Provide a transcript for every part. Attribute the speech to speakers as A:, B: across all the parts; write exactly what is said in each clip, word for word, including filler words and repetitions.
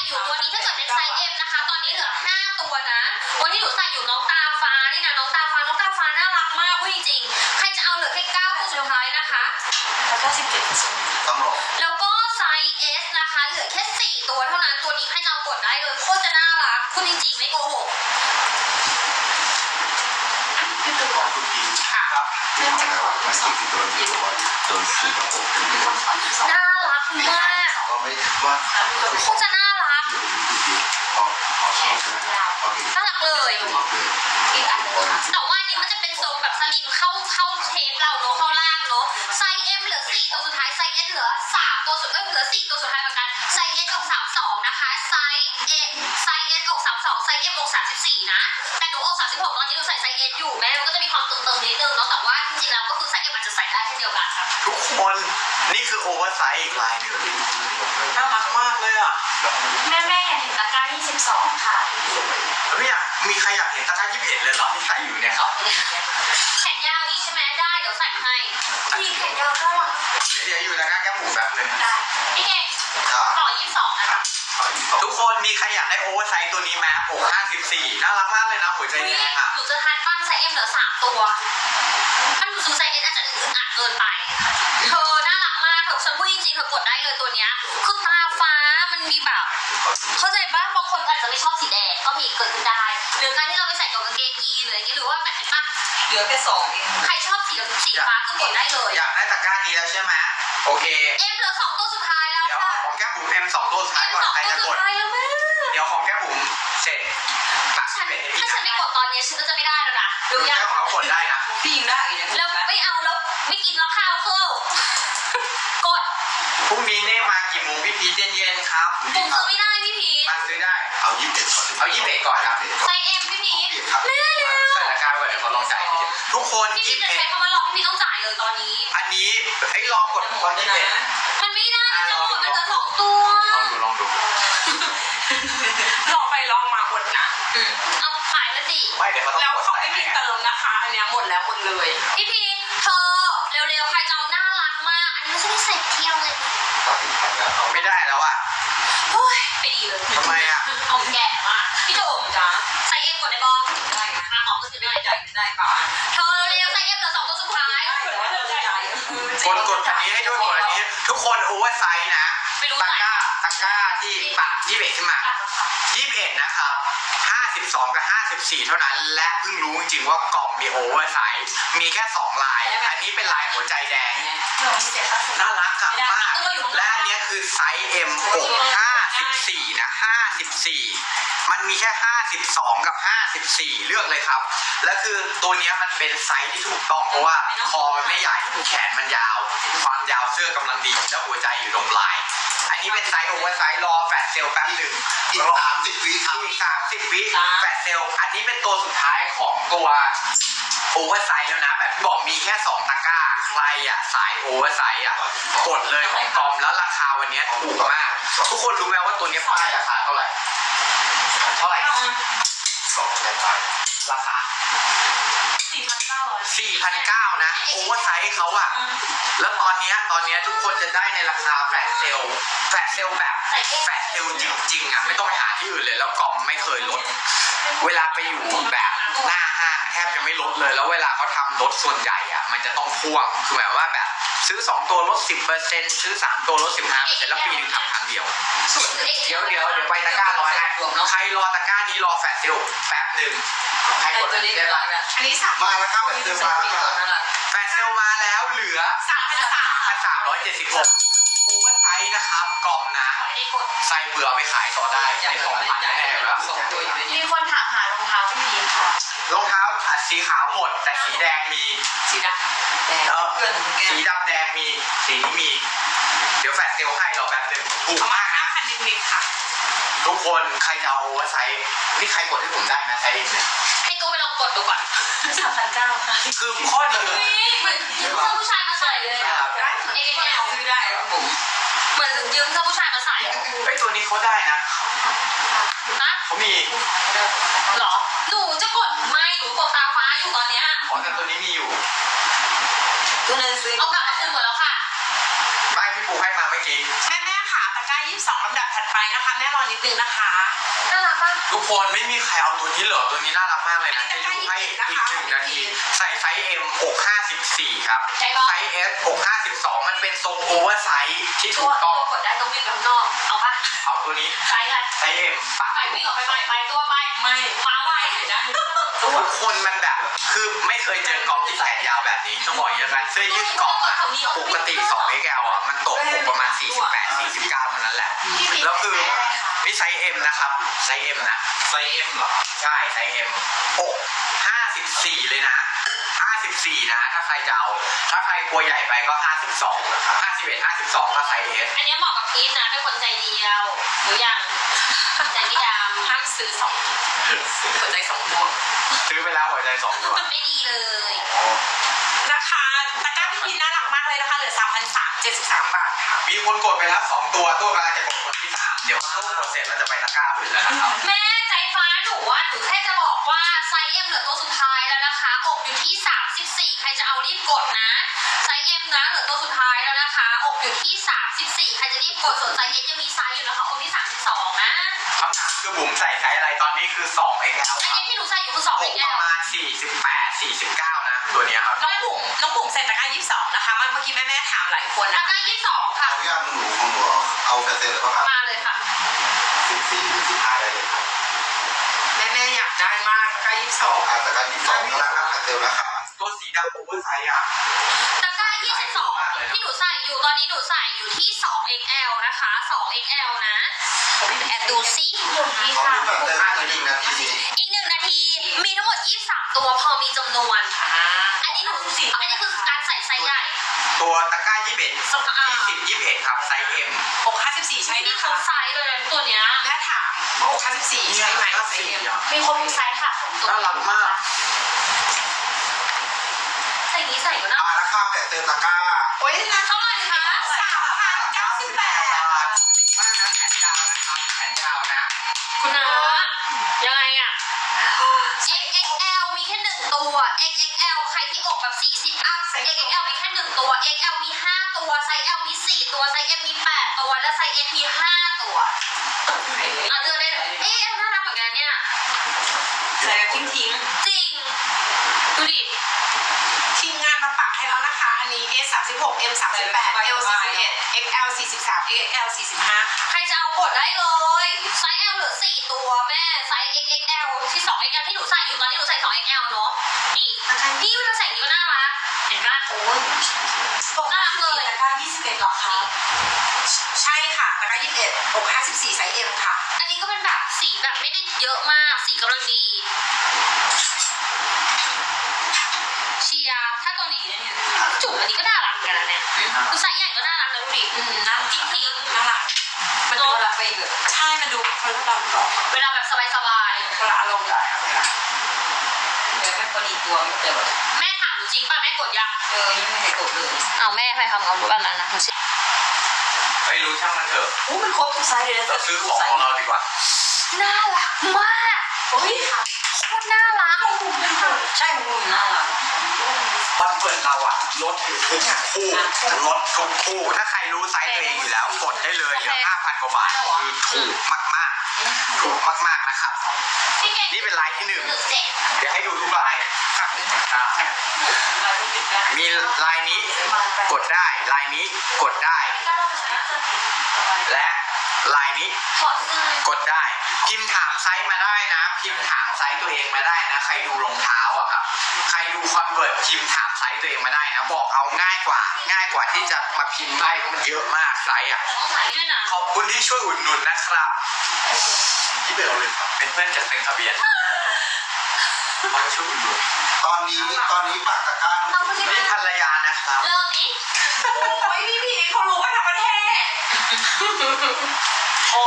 A: อยู่ตัวนี้ถ้าเกิดเป็นไซส์ เอ็ม นะคะตอนนี้เหลือห้าตัวนะวันนี้หนูใส่อยู่น้องตาฟ้านี่นะน้องตาฟ้าน้องตาฟ้าน่ารักมากพูดจริงๆใครจะเอาเหลือแค่เก้าตัวสุดท้ายนะคะ
B: เก้าสิบเจ็ดเปอร์เซ็นต์
C: ต้องรอ
A: แล้วก็ไซส์ เอส นะคะเหลือแค่สี่ตัวเท่านั้นตัวนี้ใครจะเอากดได้เลยโคตรจะน่ารักพูดจริงๆไม่โกหก
B: พี่ตูน
C: ของคุณพีครับ
B: เรื่องของขวัญสองตัวนี้ว่าโดนซื้อแบบเป็นของขวัญสอง
A: น่ารักมาก
C: ก็ไม่ว่า
A: โคตรจะน่ารัก
C: พอพอใช่ไหมโอเค
A: น่ารักเลย
B: อีกอันนึงค่ะ
A: แต่ว่าอันนี้มันจะเป็นทรงแบบสลิมเข้าเข้าเชฟเราเนาะเข้าล่างเนาะไซส์ เอ็ม เหลือสี่ตัวสุดท้ายไซส์ เอส เหลือสามตัวสุดเอ้ยเหลือสี่ตัวสุดท้ายเหมือนกันไซส์ เอส ออกสามสิบสองนะคะไซส์ เอ ไซส์ เอส ออกสามสิบสองไซส์ เอ็ม ออกสามสิบสี่นะแต่หนูออกสามสิบหกตอนนี้หนูใส่ไซส์ เอส อยู่แม้มันก็จะมีความตึงๆนิดนึงเนาะแต่ว่าจริงๆแล้วก็คือไซส์ เอ็ม อาจจะใส่ได้เช่นเดียวกันค่ะ
C: ทุกคนนี่คือโอเวอร์ไซส์อีกลายหนึ่งน่ารักมากเลยอ่ะ
B: แม่แม่อยากเห็นตะกร้ายี่สิบสองค่ะ
C: ไม่อยากมีใครอยากเห็นตะกร้ายี่สิบเอ็ดเลยเหรอที่ใส่อยู่เนี่ยครับ
A: แขนยาวอีกใช่ไหมได้เดี๋ยวใส่ให้พี่แขนยาวก็หรอ
C: เดี๋ยวอยู่ตะกร้าแก้มหมูแบบนึง
A: ได้พี่เก่งต่อยี่สิบสองนะคะ
C: ทุกคนมีใครอยากได้โอเวอร์ไซส์ตัวนี้ไหมโอ้ห้าสิบสี่น่ารักมากเลยนะหัวใจแดงอ่ะ
A: หนูจะทันปั้นไซส์ เอ็ม เหลือสามตัวถ้าหนูซื้อไซส์ เอส อาจจะอึดอัดเกินไปเธอน่ารักมากเธอฉันพูดจริงๆเธอกดได้เลยตัวเนี้ยคือตาฟ้ามันมีแบบเข้าใจป่ะบางคนอาจจะไม่ชอบสีแดงก็มีเกิดขึ้นได้หรือการที่เราไปใส่กับกางเกงยีนหรืออย่างเงี้ยหรือว่าแบบเห็นป่ะ
B: เหลือแค่สองเอง
A: ใครชอบสีสีฟ้าคือกดได้เลย
C: อยากได้ตะกร้านี้แล้วใช่ไหมโอเค
A: เอ็มเหลือสองตัวสุดท้ายแล้ว
C: เดี๋ยวของแก้มบุ๋มเอ็มสองตัวสุดท้ายก่อนใครจะกดเดี๋ยวของแก้มบุ๋มเสร็จตัดสิบเอ็ด
A: ถ้าฉันไม่กดตอนนี้ฉันก็จะไม่ได้แล้วนะดูยัง
C: ของเขากดได้นะ
B: พี่ยิงได้
A: แล้วไม่เอาแล้วไม่กินแล้วข้าวเคิลกด
C: พรุ่งนี้เนี่ยมากี่โมงพี่พีชเย็นๆครับ
A: ผมซื้อไม่ได้พี่พีช
C: มาซื้อได้เอายี่สิบเอ็ดก่อนเอายี่สิบเอ็ดก่อนครับ
A: ไซส์ เอ็ม พี่พีชแม่เร็ว
C: ใส่ราคาไว้เดี๋ยวเขาลองจ่ายทุกคน
A: พี่พีชจะใช้คำว่าลองพี่พีชต้องจ่ายเลยตอนนี้
C: อันนี้ให้ลองกดตอนยี่สิบเอ็ด
A: มันไม่ได้จะหมดมันเหลือสองตัว
C: ลองดูลองดู
B: ลองไปลองมาหมดนะ
A: เอาขายมาสิ
C: ไม่เดี๋ยวเขาต้อง
B: แล้วเขาไม่มีเติมนะคะอันนี้หมดแล้วหมดเลย
A: พี่พีชเธอเร็วๆใครจะเอาน่ารักมากอันนี้ไม่ใช่ใส่เที่ยวเลย
C: ไม่ได้แล้วอ่ะ
A: โอ้ยไปดีเลย
C: ทำไมอ่ะ
A: หอมแก่มากพี่จุ๋ม
B: จ้า
A: ใส่เอ็มกดได้บอล
B: ได้
A: มาออกก็จะได้
B: ใจได้ป่ะ
A: เธอเร็วใส่เอ็มเหลือสองตัวสุดท้าย
C: กดกดอันนี้ให้ด้วยกดอันนี้ทุกคนโอเวอร์ไซส์นะตะกร้าตะกร้าที่ปักยี่สิบเอ็ดขึ้นมายี่สิบเอ็ดนะครับห้าสิบสองกับห้าสิบสี่เท่านั้นและเพิ่งรู้จริงๆว่ากล่องมีโอเวอร์ไซส์มีแค่สองลายอันนี้เป็นลายหัวใจแดงน่ารักอะมากและอันนี้คือไซส์ เอ็ม อกห้าสิบสี่นะห้าสิบสี่มันมีแค่ห้าสิบสองกับห้าสิบสี่เลือกเลยครับและคือตัวนี้มันเป็นไซส์ที่ถูกต้องเพราะว่าคอมันไม่ใหญ่แขนมันยาวความยาวเสื้อกำลังดีแล้วหัวใจอยู่ตรงปลายอันนี้เป็นไซส์โอเวอร์ไซส์รอแฟลชเซลแป๊บหนึ่งอีกสามสิบวิอีกสามสิบวิแฟลชเซลอันนี้เป็นตัวสุดท้ายของตัวโอเวอร์ไซส์แล้วนะแบบที่บอกมีแค่สองตะกร้าใครอ่ะสายโอเวอร์ไซส์อ่ะกดเลยของกอมแล้วราคาวันนี้ถูกมากทุกคนรู้ไหมว่าตัวนี้ป้ายราคาเท่าไหร่เท่าไหร่สองพันบาทราคา
B: สี่พันเก้าร้อย
C: สี่พันเก้านะโอเวอร์ไซส์เขาอะแล้วตอนนี้ตอนนี้ทุกคนจะได้ในราคาแฟลชเซลแฟลชเซลแบบแฟลชเซลจริงๆอะไม่ต้องไปหาที่อื่นเลยแล้วกล่องไม่เคยลดเวลาไปอยู่แบบหน้าห้างแทบจะไม่ลดเลยแล้วเวลาเขาทำลดส่วนใหญ่อะมันจะต้องพ่วงคือหมายว่าแบบซื้อสองตัวลด สิบเปอร์เซ็นต์ ซื้อสามตัวลด สิบห้าเปอร์เซ็นต์ แล้วปีนึงทำครั้งเดียวเดี๋ยวเดี๋ยวเดี๋ยวไปตะกร้าร้อยนะใครรอตะกร้านี้รอแฟลชเซลแป๊บหนึ่งใครกดได้บ้าง
B: อันนี้สาม
C: มาแล้วครับแฟลชเซลมาแฟลชเซลมาแล้วเหลือ
B: สามพันสาม
C: พันสามร้อยเจ็ดสิบหกโอเวอร์ไซส์นะครับกล่องนะใส่เบื่อไปขายต่อได้ในสองพันแน่ๆแล้ว
B: มีคนถามหารองเท้าพี่พีค่ะ
C: รองเท้าสีขาวหมดแต่สีแดงมี
B: สีดำแดง
C: เออสีดำแดงมีสีนี้มีเดี๋ยวแฟลชเซลให้เราแป๊บนึงถูกมาก
B: นะพันนิดๆค่ะ
C: ทุกคนใครจะเอาโอเวอร์ไซส์นี่ใครกดให้ผมได้นะไซส์เองเนี่ย
A: ให้กูไปลองกดดูก่อน
B: สามพันเก้าค่ะ
C: คือข้อดี
A: เหมือนยืมเสื้อผู้ชายมาใส่เลยอ่ะเอ็กซ์แอล
B: ซื้อได้ครับผม
A: เหมือนยืมเสื้อผู้ชายมาใส่
C: ไอ้ตัวนี้เขาได้นะ
A: นะ
C: เขามี
A: หรอหนูจะกดไม่หนูกดตาฟ้าอยู่ตอนเนี้ย
C: อ๋อแต่ตัวนี้มีอยู่
B: ตัวนึงซื้อ
A: เอากลับมาคืนหมดแล้วค่ะ
C: ไม่พี่ปูให้มาเมื่อกี้
B: แม่แม่ค่ะตะกร้ายี่
D: บสองลำดับถัดไปนะคะแม่รอนิดนึงนะคะ
A: น่ารักปะ
C: ทุกคนไม่มีใครเอาตัวนี้เหรอตัวนี้น่ารักมากเลยนะจะอยู่ให้อีกหนึ่งนาทีใส่ไซส์ M อกห้าสิบสี่ครับไซส์ S อกห้าสิบสองมันเป็นทรงโอเวอร์ไซส์ที่ถูกต้อง
A: กดได้ต้องวิ่งไปข้างนอกเอาปะ
C: เอาตัวนี้
A: ไซส์อะไร
C: ไซส์ M ปะ
A: ไปวิ่งออกไปไปไปตัวไป
D: ไม่
A: มาไวเห็นนะ
C: ทุกคนมันแบบคือไม่เคยเจอกรอบที่แขนยาวแบบนี้ต้องบอกอย่างนั้นเสื้อยืดกรอบอะปกติ สอง เอ็กซ์ แอล อ่ะมันตกอกประมาณสี่สิบแปด สี่สิบเก้าเท่านั้นแหละแล้วคือนี่ไซส์ M นะครับไซส์ M นะไซส์ M เหรอใช่ไซส์ M อกห้าสิบสี่เลยนะห้าสิบสี่นะถ้าใครจะเอาถ้าใครกลัวใหญ่ไปก็ห้าสิบสอง ห้าสิบเอ็ด ห้าสิบสองก็ไซส์ S
A: อันนี้เหมาะกับพีทนะเป็นคนใจเดียวหรือยังใจไม่ดำ
D: ห้ามซื้อสองหัวใจสองดวง
C: ซื้อไปแล้วหัวใจสองตัว
A: ไม่ดีเลย
D: นะคะตะกร้าพี่พีน่ารักมากเลยนะคะเหลือสามพันสามเจ็ดสิบสามบาทค่ะ
C: มีคนกดไปแล้วสองตัวตัวกำลังจะกดคนที่สามเดี๋ยวพอตู้กดเสร็จเราจะไปตะกร้าอื่นแล้วนะครับ
A: แม่ใจฟ้าหนูว่าหนูแค่จะบอกว่าไซส์ M เหลือตัวสุดท้ายแล้วนะคะอกอยู่ที่สามสิบสี่ใครจะเอารีบกดนะไซส์ M นะเหลือตัวสุดท้ายแล้วนะคะอกอยู่ที่สามสิบสี่ใครจะรีบกดส่วนไซส์ S ยังมีไซส์อยู่นะคะอกที่สามสิบสองนะ
C: คำถามคือบุ๋มใส่ไซส์อะไรตอนนี้คือ สอง เอ็กซ์ แอล
A: อันนี้ที่หนูใส่อยู่คือสอง
C: อก
A: เอ็กซ์
C: ป
A: แอล
C: ระมาณสี่สิบแปด สี่สิบเก้านะตัวเนี้ยครับ
D: น้องบุ๋มน้องบุ๋มใส่ตะกร้ายี่สิบสองนะคะเมื่อกี้แม่แม่ถามหลายคน
A: แล้
D: นะ
A: วก็ยี่สิบสองค่ะ
B: เอาย่างหนูของหนูเอาแฟเซนเลยป่ะครับ
A: มาเลยค่ะ
B: สิบสี่หรือสิบห้าได้เลยครับ
D: แม่แม่อยากได้มากตะกร้ายี่สิบสอง
B: อาจจะการยี่สิบสองราคาแฟเซลนะคะ
C: ตัวสีดำโอเวอร์ไซส์อ่ะ
A: ตะกร้ายี่สิบสองที่หนูใส่อยู่ตอนนี้หนูใส่อยู่ที่สอง เอ็กซ์ แอล นะคะ สอง เอ็กซ์ แอล นะแอบดูซิหุ่นดี
B: เขา
A: ค่ะ
B: ดูแบบเต็มจริงนะทีนี้
A: อีกหนึ่งนาทีมีทั้งหมดยี่สิบสามตัวพอมีจำนวน
D: อ่า
A: อันนี้หนูสิอันนี้คือการใส่ไซส์ใหญ่
C: ตัวตะกร้ายี่สิบเอ็ด ยี่สิบ ยี่สิบเอ็ดครับไซส์ M
D: อกห้าสิบสี่ใช่
A: นี่
D: นะ
A: คร
D: คะ
A: บไซส์เลยนะตัวเนี้ย
D: แม่ถามว่าอกห้าสิบสี่ใช่ไหมใส่เอ็ม
A: มีครบทุกไซส์ค่ะ
C: น่ารักมาก
A: ใส่อย่างนี้ใส่ก็น่า
B: อ่าราคาแฟเซลตะกร้า
D: โอ้ยนะ
A: เท่าไหร่คะ
D: สามพันเก้าสิบแปด
C: บาทถูกมากนะแขนยาวนะครับแขนยาวนะ
A: คุณนะยังไงอะ เอ็กซ์ เอ็กซ์ แอล มีแค่หนึ่งตัว เอ็กซ์ เอ็กซ์ แอล ใครที่อกแบบสี่สิบอัพ เอ็กซ์ เอ็กซ์ แอล มีแค่หนึ่งตัว เอ็กซ์ แอล มีห้าตัวไซส์ L มีสี่ตัวไซส์ M มีแปดตัวและไซส์ S มีห้าตัวอ่ะเลือกได้เลยเอ๊ะน่ารักเหมือนกันเนี่ย
D: ใส่แบบทิ้งทิ้ง
A: จริงดูดิ
D: ทีมงานมาปักให้แล้วนะคะ อันนี้ S สามสิบหก M สามสิบแปด L สี่สิบเอ็ด เอ็กซ์ แอล สี่สิบสาม เอ็กซ์ แอล สี่สิบห้า
A: ใครจะเอากดได้เลยไซส์ L เหลือสี่ตัวแม่ไซส์ เอ็กซ์ เอ็กซ์ แอล ที่สอง เอ็กซ์ แอล ที่หนูใส่อยู่ตอนนี้หนูใส่สอง เอ็กซ์ แอล เนอะนี่นี่มันจะใส่อย่างนี้ก็น่ารักเห็นป่ะโอ้ยน่ารักเลย
D: ตะกร้ายี่สิบเอ็ดหรอคะใช่ค่ะตะกร้ายี่สิบเอ็ดอกห้าสิบสี่ไซส์ M ค่ะ
A: อันนี้ก็เป็นแบบสีแบบไม่ได้เยอะมากสีกำลังดีเชียร์ถ้าตัวนี้เนี่ยจุ่มอันนี้ก็น่ารักเหมือนกันนะเนี่ยคือไซส์ใหญ่ก็น่ารักนะดูดิ
D: อืมน่ารัก
A: จริง
D: น่ารักมันดูละไปแบบใช่มันดูคนละแบบ
A: ๆเวลาแบบสบาย
D: คนละอารมณ์เลย
E: เดี๋ยวแค่พอดีตัวไม่แต่แบบ
A: ๆแม่ถามหนูจริงป่ะแม่กดยัง
E: เออยังไม่ได้กดเลย
A: เอาแม่ใครทำเอาแบบนั้นนะหนูเช็ค
C: ไม่รู้ช่างมันเถอะ
E: โอ้มันครบทุกไซส์เลยนะ
C: เราซื้อของของเราดีกว่า
A: น่ารักมาก
E: โอ้ย
A: โคตรน่ารัก
E: ใช่ของคุณน่ารัก
C: วันเปิดเราอะลดทุกคู่ลดทุกคู่ถ้าใครรู้ไซส์ตัวเองอยู่แล้วกดได้เลยเหลือห้าพันกว่าบาทคือถูกมากๆถูกมากๆนะครับ
A: พี่เก่ง
C: นี่เป็นลายที่หนึ่ง
A: หนึ่งเจ็ด
C: เดี๋ยวให้ดูทุกลายอ่ะมีลายนี้กดได้ลายนี้กดได้ และลายนี้
A: ขอซื้อก
C: ดได้พิมพ์ถามไซส์มาได้นะพิมพ์ถามไซส์ตัวเองมาได้นะใครดูรองเท้าอะครับใครดูคอนเวิร์ตพิมพ์ถามไซส์ตัวเองมาได้นะบอกเอาง่ายกว่าง่ายกว่าที่จะมาพิมพ์ให้เพราะมันเยอะมากไซส์อะ
A: ต้องใส่ด้วยนะ
C: ขอบคุณที่ช่วยอุดหนุนนะครับที่เป็นเลยครับเป็นเพื่อนจากเซ็นทะเบียนเขาช่วยอุดหนุน
B: ตอนนี้ตอนนี้ปักตะกร้าหนู
A: เอาพี่
C: นี่ภรรยานะครับ
A: เริ่มนี้
D: โอ้ยพี่พีเขารู้กันทั้งประเทศ
A: อ๋อ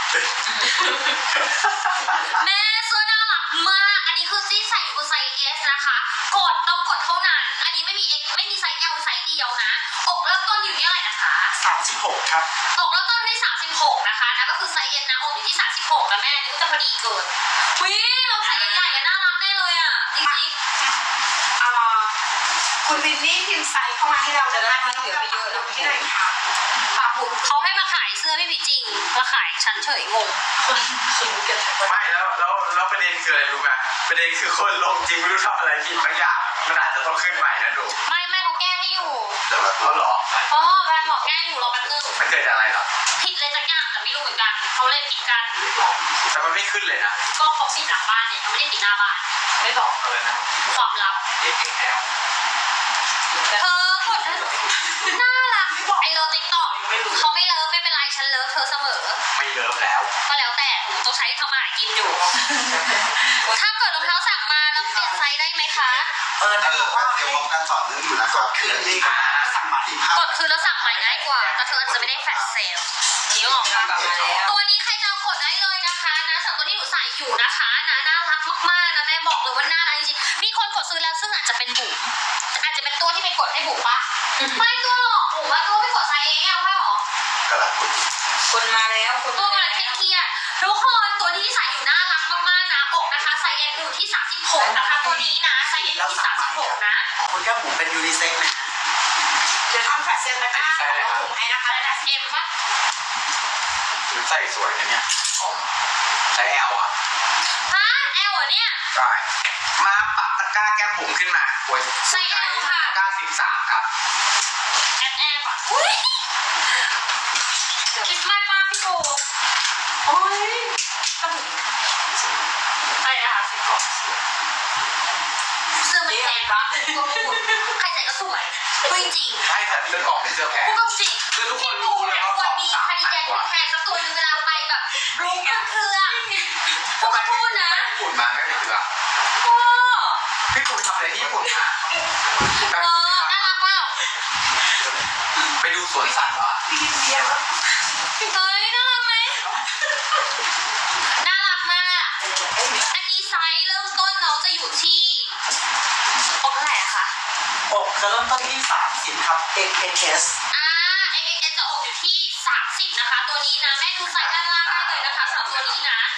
A: แม่เสื้อน่ารักมากอันนี้คือที่ใส่อยู่คือไซส์ S นะคะกดต้องกดเท่านั้นอันนี้ไม่มี X ไม่มีไซส์ L ไซส์เดียวนะอกเริ่มต้นอยู่ที่เท่าไหร่นะคะ
B: สามสิบหกครับ
A: อกเริ่มต้นที่สามสิบหกนะคะนะก็คือไซส์ S นะอกอยู่ที่สามสิบหกนะแม่นี่ก็จะพอดีเกินวิเราใส่ใหญ่ๆอะน่ารักแน่เลยอ่ะจริง
D: อ่าคุณวินนี่พิมพ์ไซส์เข้ามาให้เราจะได้ไม่ต้องเยอะไปเยอะแล้วที่ไหนคะ
A: ๆปากหมุดเขาให้มาขายเสื้อพี่พีจริงมาขายฉันเฉยงง
E: คิมกัน
C: ไม่แล้วแล้วแล้วประเด็นคืออะไรรู้ไหมประเด็นคือคนลงจริงไม่รู้ทำอะไรผิดบางอย่างมันอาจจะต้องขึ้นใหม่นะดู
A: ไม่ไม่เขาแก้ให้อยู่
B: แต่ว่า
C: เขาหรอ
A: อ๋อแฟนบอกแก้อยู่รอแป๊บนึง
C: มันเกิดจากอะไรหรอ
A: ผิดเลยสักอย่างแต่ไม่รู้เหมือนกันเขาเล่นผิดกัน
C: แต่มันไม่ขึ้นเลยนะ
A: ก็เขาปิดหลังบ้านเนี่ยเขาไม่ได้ปิดหน้าบ้าน
E: ไม่บอก
C: อะไรนะ
A: ความลับ
C: เอ็กซ์แอล
A: เธอกดน่ารักไอเลิฟติ๊กต็อกเขาไม่เลิฟไม่เป็นไรฉันเลิฟเธอเสมอ
C: ไม่เลิฟแล้ว
A: ก็แล้วแต่หนูต้องใช้ทำมาหากินอยู่ ถ้าเกิดรองเท้าสั่งมาแล้วเปลี่ยนไซส์ได้ไหมคะ
B: เออถ้าบอกว่าเตรียมพร้อมกันต่อเนื่องอยู่นะครับคืนนี้ก็สั่งมาที่ภาพ
A: กดคือแล้วสั่งใหม่ง่ายกว่า แต่เธออาจจะไม่ได้แฟลชเซลนี่หรอก
E: กลับมาแล้ว
A: ตัวนี้ใครจะเอากดได้เลยนะคะนะสำหรับตัวที่หนูใส่อยู่นะคะนะน่ารักมากๆนะแม่บอกเลยว่าน่ารักจริงๆมีคนกดซื้อแล้วซึ่งอาจจะเป็นบุ๋มอาจจะเป็นตัวที่ไปกดให้บุ๋มปะไม่ตัวหรอกบุ๋มว่าตัวไปกดไซส์เองเอาเปล่าหรอ
B: ก็หลังคุณ
E: คนมาแล้วคน
A: ตัวมันเครียดๆทุกคนตัวที่ใส่อยู่น่ารักมากๆนะอกนะคะไซส์ เอ็ม อยู่ที่สามสิบหกนะคะตัวนี้นะไซส์ เอ็ม อยู่ที่สามสิบหกนะ
B: คุณแก้มผมเป็นยูนิเซ็กนะ
D: เดี๋ยวทำแฟลชเซลตะกร้าของน้องผมให้นะคะแล้ว
A: เอ็มปะ
C: หรือใส่สวยนะเนี่ยอ๋อใช้แอลอ่ะ
A: ฮะแอลเหรอเนี่ย
C: ใช่มาปักตะกร้าแก้มบุ๋มขึ้นมาโอ้ย
A: ไซส์ L ค่ะ
C: ตะกร้าสิบสามครับ
A: แอปแอปอ่ะอุ้ยคิดมากป้าพี่โก
D: โอ้ย
A: อะไรนะคะสิบกล่องเสื้อมันแพงปะก็พูดใครใส่ก็สวยพูดจริง
C: ใช่แต่เสื้อกล่องเป็นเสื้อแพง
A: พูดก็จริง
C: คือทุกคน
A: พี่
C: รู้
A: ปู
C: เลย
A: เนี่ย
C: ว่า
A: คว
C: ข
A: ร
C: อง
A: มี
C: สาม
A: คาร์ดิ
C: พัน
A: แกน
C: กว่า
A: แพงสักตัวหนึงเวลาไปแบบรูปเครื่องๆพวก
C: ทำไม
A: เขาพูดนะ
C: ญี่ปุ่นมาไม่ไปเสือ
A: โอ้
C: พี่ปูไปทำอะไรที่ญี่ปุ่นมา
A: เออน่ารักเปล่า
C: ไปดูสวนสัตว์เหรอ
A: เฮ้ยน่ารักไหมน่ารักมาก อันนี้ไซส์เริ่มต้นน้องจะอยู่ที่อกเท่าไหร่อะคะ
B: อกจะเริ่มต้นที่สามสิบครับ เอ็กซ์ เอส
A: อ่า เอ็กซ์ เอ็กซ์ จะอกอยู่ที่สามสิบนะคะ ตัวนี้นะ แม่ดูไซส์ด้านล่างได้เลยนะคะสำหรับตัวนี้นะ